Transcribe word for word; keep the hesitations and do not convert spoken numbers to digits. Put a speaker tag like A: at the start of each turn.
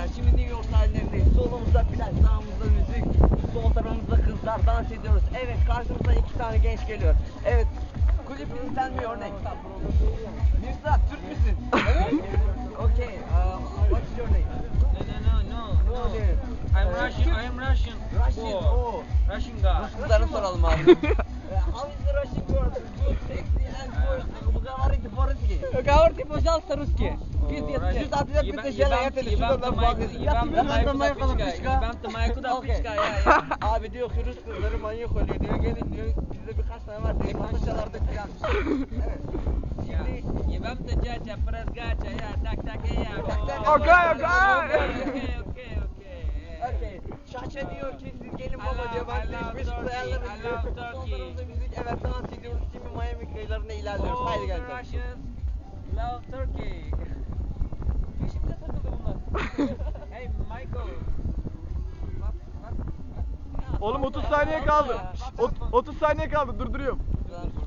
A: arkadaşlar, şimdi New York sahilindeyiz. Solumuzda plaj, sağımızda müzik, sol tarafımızda kızlar, dans ediyoruz. Evet, karşımıza iki tane genç geliyor. Evet, could you please tell me your name? Mirza, Türk müsün? Okay, uh, what's your name?
B: No, no, no, no, no. I'm Russian. I'm Russian.
A: Russian,
B: Oh,
A: oh.
B: Russian guy.
A: Rus kızlarını soralım abi. How is the Russian girl? Good, sexy and good. Говорите по-русски.
C: Говорите, пожалуйста, русский.
A: Жүз отыз жеті бітті желі етілі, жүз Abi diyor ki Rus kızları manyak oluyor diyor, gelin diyor, bizde birkaç tane var diyor, masaçalarda filanmış. Evet. Şimdi...
B: Yebam da caca, pras gacha, ya, tak tak ya.
C: Okay, okay.
B: Okay, okay, okay.
A: Okay. Şaşa diyor ki siz gelin baba diyor, ben size hiçbir şey ayarlarım diyor. Son tarafında müzik, evet dans ediyoruz, şimdi Miami kıyılarına ilerliyoruz. Haydi gel.
B: Russians love Turkey.
C: Peşimde takıldı bunlar.
B: Hey Michael.
D: Oğlum otuz saniye kaldı. Ot- otuz saniye kaldı, durduruyorum.